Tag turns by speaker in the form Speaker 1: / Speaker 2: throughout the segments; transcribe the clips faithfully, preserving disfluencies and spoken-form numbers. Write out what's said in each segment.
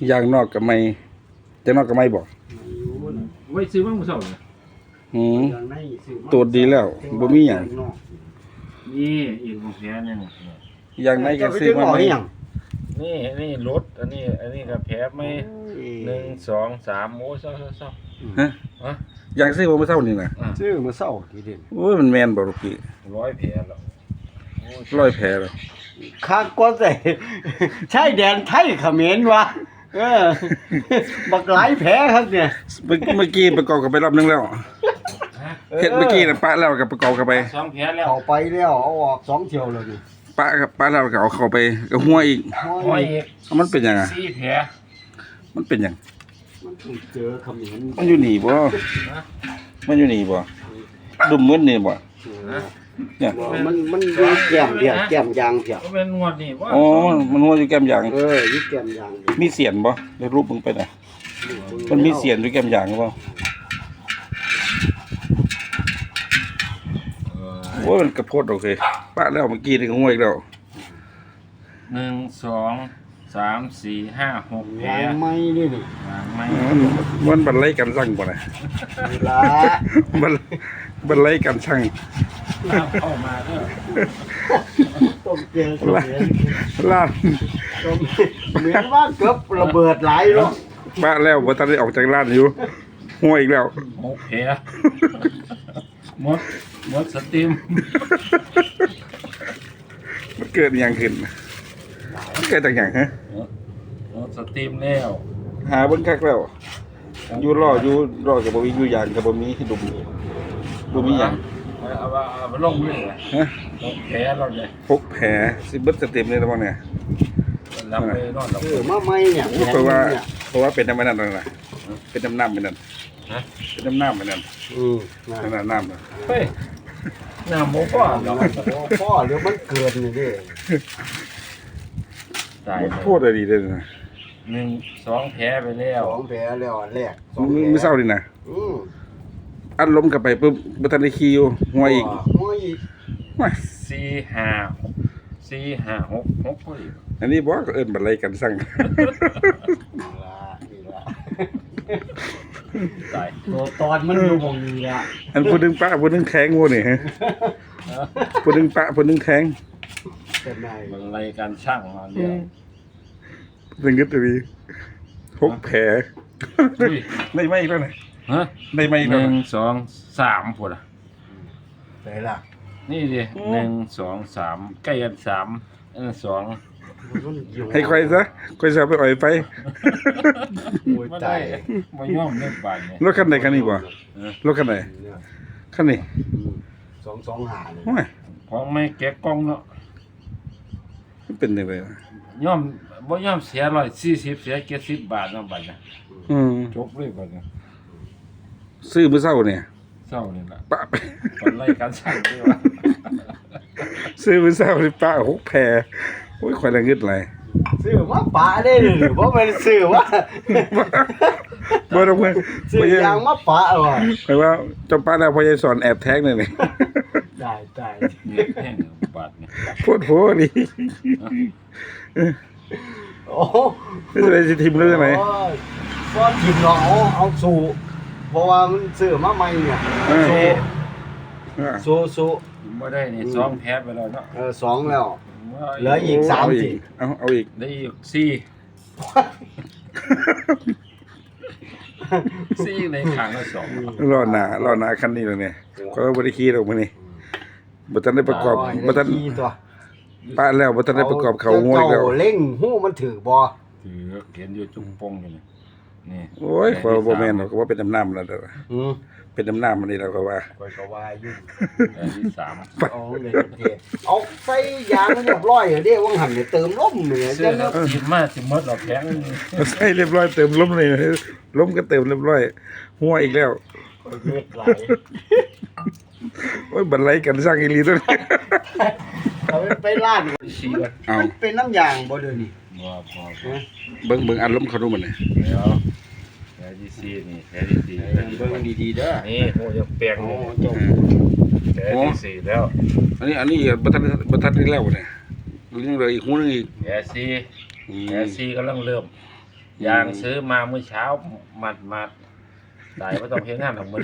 Speaker 1: ยางนอกกับไม่จะนอกกับไม่บอก
Speaker 2: ไว้ซื้อบ้างมือสองเลย
Speaker 1: อืมตัวดีแล้วบ่มีหยัง
Speaker 2: นี่อีกของแพ้เนี่ย
Speaker 1: ยางในก็ซื้อมาไหม
Speaker 2: นี่นี่รถอันนี้อันนี้ก็แพ้ไม่หนึ่งสองสามโอ้เศร้าเศร้าเศร้า
Speaker 1: ฮะฮะยางซื้อมาเมื่อเช้านี่นะ
Speaker 3: ซื้อมาเศร้าทีเดียว
Speaker 1: โอ้ยมันแมนบ่ลูกพี่
Speaker 2: ร้อยแผลแล้ว
Speaker 1: ร้อยแผลแล้ว
Speaker 3: ข้างก็ใส่ใช่แดนไทยเขมรวะเออบักหลายแผลครับเนี่ย
Speaker 1: เมื่อกี้ประกอบกันไปรอบนึงแล้วเฮ็ดเมื่อกี้น่ะปะแล้วกับประกอบกันไป
Speaker 2: สองแผลแล้ว
Speaker 3: เข้าไปแล้วเอาออกสองเที่ยวแล้วนี่
Speaker 1: ปะกับปะแล้วก็เอาเข้าไปกับหัวอีก
Speaker 2: หัวอีก
Speaker 1: มันเป็นยังไง
Speaker 2: สี่แผล
Speaker 1: มันเป็นยัง
Speaker 3: มันเจอเขมร
Speaker 1: มันอยู่นี่บ่มันอยู่นี่บ่ดุมมืดนี่บ่
Speaker 3: เนี่ยมันมันอยู่แก้มเดียวแก้มยางเดียว
Speaker 2: เป็นงวดนี่บ่
Speaker 1: อ๋อมันหัวอยู่แก้มยาง
Speaker 3: เอออยู่แก้มยาง
Speaker 1: มีเสียนบ่ได้รูปมึงไปน่ะมันมีเสียนอยู่แก้มยางบ่โอ้ยมันกระโพดโอเคปะแล้วเมื่อกี้นี่ก็ห่วยอีกแล้ว
Speaker 2: หนึ่งสองสามสี่ห้าหกแผล
Speaker 3: ไม่นี่นี่
Speaker 2: ไม่
Speaker 1: มันบันไลกันสั่งบ่น่ะ
Speaker 3: ละ
Speaker 1: บันบันไลกันสั่ง
Speaker 2: เข้ามาเด้อ
Speaker 3: ต้มเกลือเขมร
Speaker 1: ลาด
Speaker 3: เหมือนว่าเกือบระเบิดหลายรอบ
Speaker 1: ปะแล้วบ่ทันได้ออกจากร้านอยู่ห่วยอีกแล้ว
Speaker 2: หกแผลหมดหมดสติม
Speaker 1: มันเกิดอย่างขึ้นมันเกิดจากอย่างฮะ
Speaker 2: หมดสติมแล้ว
Speaker 1: หาเบิ่งคักแล้วอยู่รออยู่รอกับบ่มีอยู่อย่างกับบ่มีดุมบ่มีหยัง
Speaker 2: เอาว่าเอาลงเลยฮะหกแผลเราเลย
Speaker 1: หกแผลสิเบิดสเต็มเลยแล้วบ่เนี่ย
Speaker 2: รับไปนอนหลับ
Speaker 3: เออมาใหม่เนี่ย
Speaker 1: เพราะว่าเพราะว่าเป็นน้ำมันนั่นน่ะเป็นน้ำน้ำเป็นนั่น
Speaker 2: ฮะ
Speaker 1: เป็นน้ำน้ำเป็นนั่น
Speaker 3: อืม
Speaker 1: นั่นน้ำน่ะ
Speaker 2: เฮ้ยน้ำหมูพ่อเนาะ
Speaker 3: พ่อหรือมันเกินนี่ดิ
Speaker 1: ตายพูดอะไรดีเลยนะ
Speaker 2: หนึ่งสองแผลไปแล้ว
Speaker 3: สองแผลแล้วแรก
Speaker 1: ไม่เศร้าดินะอัดล้มกลับไปปุ๊บบัตันได้คิวหัวอีก
Speaker 3: หัวอีก
Speaker 2: สี่ห้าสี่ห้าหกหกพอดี
Speaker 1: อันนี้บอกเอิญบันไลกันสั่ง
Speaker 3: ตายตัวตอนมันอยู่วงนี้อ่ะ
Speaker 1: อันพูดดึงปะพูดดึงแข็งงูนี่ฮะพูดดึงปะพูดดึงแข็ง
Speaker 3: เป็นไง
Speaker 2: บันไลกันช่างมาเรียก
Speaker 1: ดึงกึศตีหกแผลได้ไหมอีกแล้วไหน
Speaker 2: ฮะ
Speaker 1: ได้ไหมอีก
Speaker 2: แล้ว
Speaker 1: หนึ่
Speaker 2: งสองสามพอดอ่ะ
Speaker 3: ไหนล่ะ
Speaker 2: นี่ดิหนึ่งสองสามใกล้กันสามเออสอง
Speaker 1: ให้ใครซะใครจะไปอ่อยไป
Speaker 2: ไม่ได้ไม่ย่อมเล่นบานเนี่ย
Speaker 1: รถคันไหนคันนี้บ่รถคันไหนคันนี้
Speaker 3: สองสองหาเลย
Speaker 2: ของไม่แกะกล้องเนาะ
Speaker 1: เป็นยังไง
Speaker 2: ย่อมบ่ย่อมเสียร้อยสี่สิบเสียเจ็ดสิบบาทเนาะบัดเนี่ยจบเลยบัดเนี่ย
Speaker 1: ซื้อเมื่อเช้าเนี่ย
Speaker 2: เช้านี่แหละ
Speaker 1: ปะไป
Speaker 2: ตอนไล่การสั่งด้วยว่า
Speaker 1: ซื้อเมื่อเช้านี่ปะหกแพรโอ้ยควายแรงงึดไร
Speaker 3: ซื้อว่าปะได้หรือว่าเป็นซื้อว่า
Speaker 1: บ่ต้องเพิ่น
Speaker 3: ซื้อยางมาปะเหรอ
Speaker 1: แปลว่าจำปาแล้วพอยายสอนแอบแท็กนี่นี่
Speaker 3: ได้ได้
Speaker 2: เนี่ยแพงบาทเนี่ย
Speaker 1: โพดโพนี่
Speaker 3: โอ้
Speaker 1: นี่อะไรสิทีมเรื่องไหน
Speaker 3: ก็ทีมเราเอาเอาสู่เพราะว่ามันซื้อมาใหม่เนี่ยสู่สู่
Speaker 2: ไม่ได้นี่สองแพ้ไปแล้วเนาะ
Speaker 3: เออสองแล้วเหลืออีกสามสิ
Speaker 1: เอาเอาอีก
Speaker 2: ได้อีกสี่สี่ในขางละสอง
Speaker 1: รอหนารอหนาคันนี้เลยเนี่ยก็บริคีเราเมื่อนี้บัตันได้ประกอบบัตันป้าแล้วบัตันได้ประกอบเขาง่วยแล้ว
Speaker 3: เล่งหู้มันถือบ่
Speaker 2: ถือเขียนอยู่จุ่มปงอยู่นี่นี่
Speaker 1: โอ้ยพอโบแมนเราก็ว่าเป็นน้ำน้ำแล้วเด้อเป็นน้ำน้ำมันนี่เราก็ว่า
Speaker 3: คอยก็ว่ายุ่ง
Speaker 2: อันที่สาม
Speaker 3: เอาเลยเอาใส่ยางเรียบร้อยเด้ว่างหันเนี่ยเติมลมเนี่ย
Speaker 2: จะเติมมาสิมดดอกแข็ง
Speaker 1: ใส่เรียบร้อยเติมลมเลยลมก็เติมเรียบร้อยหัวอีกแล้ว
Speaker 3: เลือดไหล
Speaker 1: โอ้ยบันไลกันสร้างอีลีตัวนี้
Speaker 3: เอาไปลาดเอาเป็นน้ำยางบ่เดี๋ยวนี้
Speaker 2: บ่บ่
Speaker 1: เบิ่งเบิ่งอันล้มเขาดูมันเลย
Speaker 2: เดี๋ยวแผลที่สี่นี่แผลที่สี่
Speaker 3: เบิ่งดีๆเด้อ
Speaker 2: นี่โหยังแปลงโอ้จบแผลที่สี่แล้ว
Speaker 1: อันนี้อันนี้บัตันบัตันที่แล้วเนี่ยยังเหลืออีกหูนึงอีก
Speaker 2: แผลสี่แผลสี่กำลังเริ่มยางซื้อมาเมื่อเช้ามัดมัดได้ไม่ต้องเฮ็ดงานทั้งหมด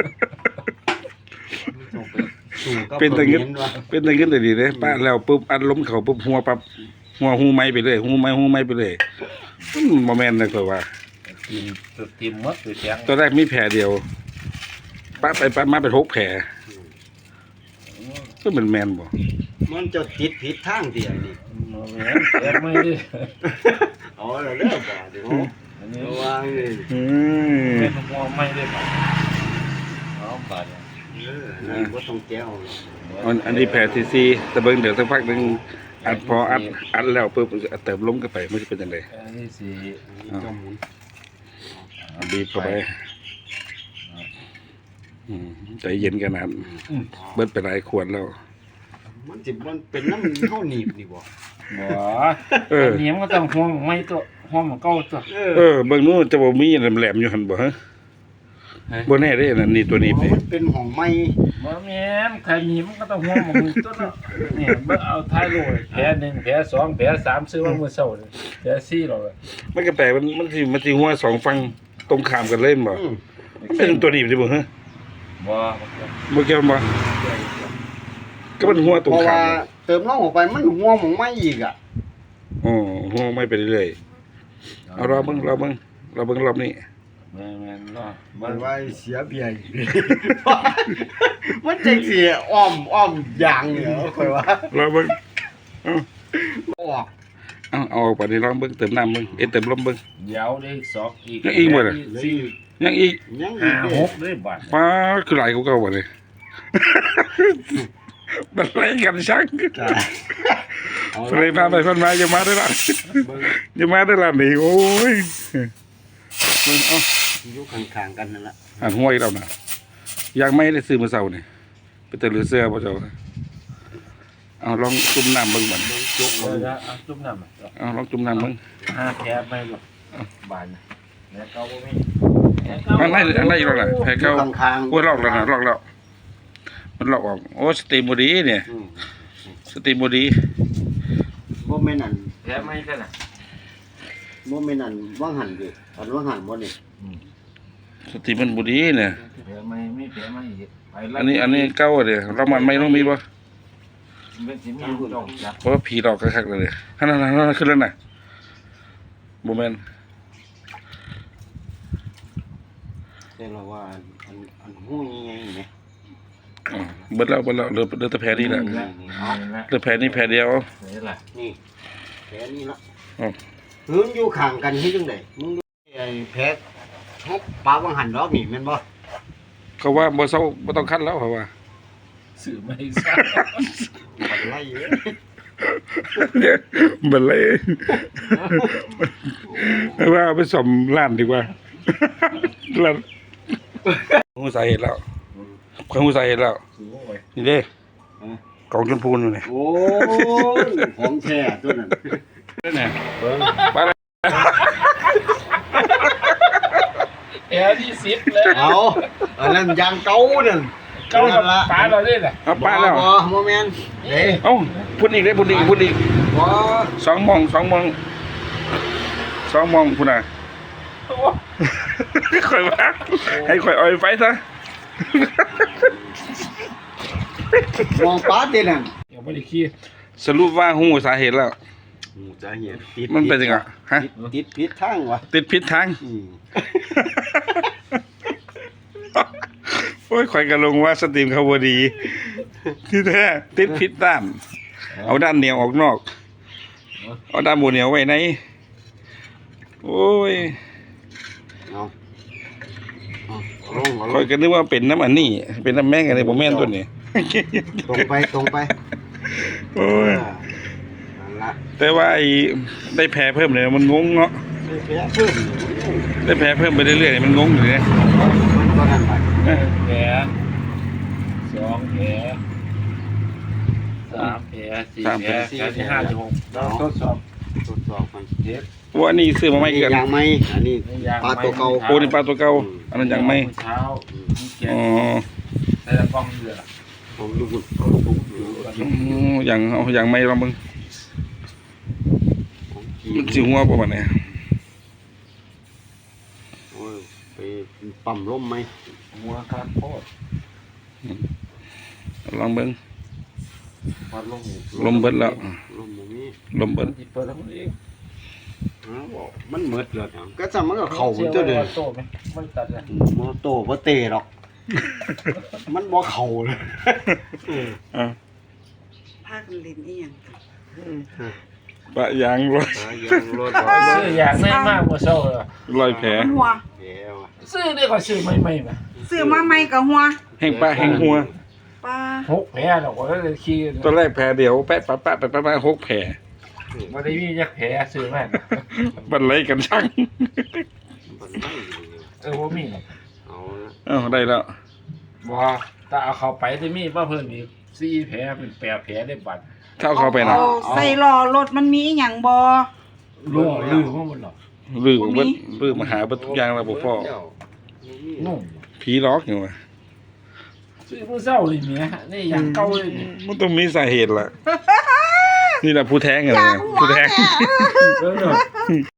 Speaker 3: สู่กับ
Speaker 1: เป็นตะเงิน
Speaker 3: คอมมต์ว่ะ
Speaker 1: เป็นตะเงินแต่ดีเลยป้าแล้วปุ๊บอัดล้มเขาปุ๊บหัวปั๊บหัวหูไม้ไปเลยหูไม้หูไม้ไปเลยอืมบ่แม่นเลยก็ว่า
Speaker 2: ทีมทีมหมดคือแข็ง
Speaker 1: ตอนแรกมีแผลเดียวป้าไปป้ามาเป็นหกแผลก็เหมือนแมนบ่
Speaker 3: มันจะติดผิดทางเดียวนี่
Speaker 2: มาแหวนแข็งไม่ดิ
Speaker 3: เอาแล้วเด้อบ่เดี๋ยว
Speaker 2: อันนี้
Speaker 3: ระวังนี่
Speaker 1: อืม
Speaker 2: เป็นหัวไม่ได้ป่ะเอาบาดเนี่ย
Speaker 3: เออนั่นบ่ต้องแก้วหรอก
Speaker 1: อันอันนี้แผลที่สี่แต่เบิ่งเดี๋ยวสักพักหนึงอัดพออัดอัดแล้วปุ๊บเติมลมเข้าไปมันจะเป็นจังได
Speaker 2: อันนี้สี่
Speaker 3: อันนี้ก็หมุน
Speaker 1: เอาบีบเข้าไปอืมใจเย็นกันนะเบิดไปหลายขวดแล้ว
Speaker 3: มันสิมันเป็นน้ำเฮาหนีบนี่บ่
Speaker 2: บ่
Speaker 1: เออ
Speaker 2: อันนี้มันก็ต้องห่วงไม่ตัวห่วงมันเก่าตัว
Speaker 3: เอ
Speaker 1: เออเบิ่งนู้นจะบ่มีแหลมๆอยู่หั่นบ่ฮะบ่แน่เด้นั่นนี่ตัวนี้ไป
Speaker 3: มันเป็นของใหม่
Speaker 2: บ่แม่นใครมีมันก็ต้องห่วงมันตัวเนาะนี่เบิ่งเอาท้ายโลยแผลหนึ่งแผลสองแผลสามซื้อว่ามื้อเช้านี่แผลสี่หรอก
Speaker 1: มันก็แปลกมันมันสิมันสิหัวสองฝั่งตรงข้ามกันเลยบ่
Speaker 3: อืม
Speaker 1: มันเป็นตัวนี้ดิบ่ฮะ
Speaker 2: บ่
Speaker 1: บ่เกี่ยวบ่ก็มันหัวตรง
Speaker 3: เพราะ
Speaker 1: ข้า
Speaker 3: ว่าม เติมน้ำออกไปมันหัวของใหม่อีกอ่ะ
Speaker 1: อ๋อหัวไม่ไปเรื่อยๆเอารอเบิ่งรอเบิ่งรอเบิ่งรอบนี้
Speaker 2: แม่นๆเนาะ
Speaker 3: มันว่าเสียเบียร์อีก มันจังสิอ้อมอ้อมอย่างเนี่ยค่อยว่าร
Speaker 1: อเบิ่งเอา
Speaker 3: ออก
Speaker 1: เอาเอาออกไปนี่ลองเบิ่งเติมน้ำเบิ่งเอ้ยเติมลมเบิ่ง
Speaker 2: เดี๋ยวได้สองอีก
Speaker 1: ยังอีกบ่ล่ะ
Speaker 2: สี่
Speaker 1: ยังอีก
Speaker 3: ยังอี
Speaker 2: ห้าก
Speaker 3: เด้
Speaker 2: ห
Speaker 3: อก
Speaker 2: ได้บาท
Speaker 1: ป้าคือหลายกว่าเก่าบ่เลย มันไล่กันชัก
Speaker 3: จ้ะเอา
Speaker 1: เลยพาไปพันมาอย่ามาได้ละ
Speaker 3: เบิ่ง
Speaker 1: อย่ามาได้ละนี่โอ้ยเบิ่งเอา
Speaker 3: อยู่ข้างๆกันนั่นล่ะ
Speaker 1: หันห้วยแล้วนะอยากไม่ได้ซื้อมาเสานี่ไปเตะหรือเสื้อพ่อเจ้าเอาลองจุ่มน้ำเบิ่งบัด
Speaker 3: เบิ่งจุก
Speaker 2: เอ
Speaker 3: เบิ่
Speaker 2: อง นะเอาจุ่มน้ำอะ
Speaker 1: เอาลองจุ่มน้ำเบิ่ง
Speaker 2: ห้าแผลไม่หรอกบาทนะแล้วเก่าบ่มี
Speaker 1: อันไหนอันไหนอยู่แล้วล่ะแพ้
Speaker 3: อ
Speaker 1: เก่า
Speaker 3: ยู่ข้างๆ
Speaker 1: โอ้ยลอกแล้วนะลอกแล้วมันลอกออกโอ้สตรีมบอดีเนี่ย
Speaker 3: อืม
Speaker 1: สตรีมบอดี
Speaker 3: บ่แม่นอั่น
Speaker 2: แผลไม่กันน่ะ
Speaker 3: บ่แม่นอั่นว่างหันดิอันว่างหันบ่นี่
Speaker 1: สตรีมมันบอดีเนี่ย
Speaker 2: แผลไม่ไม่แผลไม่อีกไปแล้ว
Speaker 1: อันนี้อันนี้เก่าเด้เรามันไม่ต้องมีบ่
Speaker 2: เป็นสิมีดอกจับ
Speaker 1: เพราะว่าผีหลอกคักๆเลยฮันนั่นนั่นขึ้นแล้วน่ะบ่แม่น
Speaker 3: แต่เราว่าอันอันอันหู้ยังไงนี่
Speaker 1: อ๋อเบิดแล้วเบิดแล้วเหลือเหลือแต่แผลนี่แหละ
Speaker 2: นี่ละนี่ละ
Speaker 1: เหลือแผลนี่แผลเดียว
Speaker 2: นี่ละ
Speaker 3: นี่แผลนี่ละ
Speaker 1: อ๋อ
Speaker 3: หืนอยู่ข้างกันเฮ็ดจังไดมึงดูไอ้แผลเฮาปาว่างหันดอกนี่แม่นบ่
Speaker 1: เขาว่าบ่เซาบ่ต้องคัดแล้วเขาว่า
Speaker 2: สื่อไม่ทราบ
Speaker 3: บัดไล่เอ้ย
Speaker 1: เนี่ยบันเลยว่าเอาไปสมร้านดีกว่าร้านหูสาเหตุแล้วความหูสาเหตุแล้ว
Speaker 2: สูงไว้
Speaker 1: นี่เด้กองชมพูอยู่นี่
Speaker 3: โอ้ยของแท้ตัวนั้น
Speaker 1: เนี่ยไปเลย
Speaker 2: แผลที่สิบเลย
Speaker 3: เอาอันนั้นยางเก่านั่น
Speaker 2: เก้ากับปลาเราเนี่ยแหละ
Speaker 1: เอาไปแล้ว
Speaker 3: บ่บ่แม่นเด้
Speaker 1: เอ้าพูดอีกได้พูดอีกพูดอีก
Speaker 3: บ่
Speaker 1: สองโมงสองโมงสองโมงพูดน่ะข่อยว่าให้ข่อยเอาไฟซะ
Speaker 3: มองปาดเด้นั่น
Speaker 2: ยังไม่ได้ขี้
Speaker 1: สรุปว่าหูสาเหตุแล้ว
Speaker 3: หูจะเห็นติด
Speaker 1: มันเป็นยังไงฮะ
Speaker 3: ติดติดผิดทางวะ
Speaker 1: ติดพิษทาง
Speaker 3: อืม
Speaker 1: โอ้ยข่อยกระลงว่าสตรีมเขาบดีที่แท้ติดพิษด้าน เอาด้านเหนียวออกนอก เอาด้านบนเหนียวไว้ในโอ้ย
Speaker 3: เอาเอาลงเอาล
Speaker 1: ข่อย
Speaker 3: ง
Speaker 1: ก็นึกว่าเป็นน้ำอันนี้ เป็นน้ำแม่งอะไรผมแม่นตัวนี้
Speaker 3: ตรงไปตรงไป
Speaker 1: โอ้ย
Speaker 3: อ่านั่นละ
Speaker 1: แต่ว่าไอ้ได้แพ้เพิ่มเลยมันงงเนาะ
Speaker 3: ได้แผลเพิ่ม
Speaker 1: ได้แพ้เพิ่มไปเรื่อยๆมันงงอยู่เนี่ย
Speaker 3: มันก็นั่นไป
Speaker 2: แผลสองแผลสามแผลสี่แผลแผลที่ห้าที่หกเราทดสอบ
Speaker 3: ทดสอบมัน
Speaker 2: เจ็บ
Speaker 1: ว่านี่ซื้อมาไม่กัน
Speaker 3: อย่างไม่อันนี้
Speaker 2: นี่ยาง
Speaker 3: ปลาตัวเก่า
Speaker 1: โอ้นี่ปลาตัวเก่าอันนั้นยังไม่
Speaker 2: เช้ามีแก
Speaker 1: อ๋อ
Speaker 2: ใส่กล้องเรือ
Speaker 3: ผมดูคุณผมดูอยู่
Speaker 1: อืมอย่างเอาอย่างไม่ลองมึง
Speaker 3: ของจี
Speaker 1: มันสิหัวประมาณไหน
Speaker 3: ปั๊มลมไหม
Speaker 2: หัวคักโคตร
Speaker 1: ลองเบิ่ง
Speaker 2: วัดลงนี่
Speaker 1: ลมเบิดแล้ว
Speaker 3: ลมบ่มี
Speaker 1: ลมเบิด
Speaker 2: สิเปิดแล้วมันเอง
Speaker 3: อ้าวบอกมันหมดแล้วเนี่ยก็จะมันก็เข้าหมดตัวเด้อ
Speaker 2: โตไหมมันตัดเลย
Speaker 3: บ่โตบ่เตะหรอก มันบ่เข้าเลยเออ
Speaker 1: อ่ะ
Speaker 4: พากันเล่นอีหยังกัน
Speaker 1: ปะยางรถ
Speaker 3: หายังรถ
Speaker 2: ซื้ออย่างแน่มากกว่าเศร้าเลย
Speaker 1: รอยแผล
Speaker 4: หัว
Speaker 3: แย่ว่ะ
Speaker 2: ซื้อได้ก็ซื้อใหม่ๆมา
Speaker 4: ซื้อมาใหม่กับหัว
Speaker 1: แห้งปะแห้งหัว
Speaker 4: ปลา
Speaker 2: หกแผลหรอกว่าเลยขี้
Speaker 1: ตอนแรกแผลเดียวแปะปะปะไปปะปะหกแผล
Speaker 2: บ่ได้มีจักแผลซื้อมา
Speaker 1: บันไลกันช่าง
Speaker 3: มันไม่อยู่
Speaker 2: เออบ่มีหรอก
Speaker 3: เอาละ
Speaker 1: เอ้าได้แล้ว
Speaker 2: บ่ถ้าเอาเข้าไปจะมีมาเพิ่มอีกสี่แผลเป็นแปดแผลได้บัด
Speaker 1: เท่าเข้าไปนะ
Speaker 4: เอาใส่ล้อรถมันมีอีหยังบ่
Speaker 2: รู้ลือว่ามันหรอก
Speaker 1: ลือเบิดลือมาหาเบิดทุกอย่างแล้วบ่พ่อ
Speaker 2: นุ่ม
Speaker 1: ผีล็อกอยู่ว่ะ
Speaker 2: ซื้อมื้อเช้านี่แหมนี่อย่างเก่าเลยนี่
Speaker 1: มันต้องมีสาเหตุล่ะ นี่แหละผู้แท้งอะไร
Speaker 4: จาก
Speaker 1: นะ
Speaker 4: หัว
Speaker 1: ผู้แท้ง
Speaker 4: เนี่ย
Speaker 2: เออ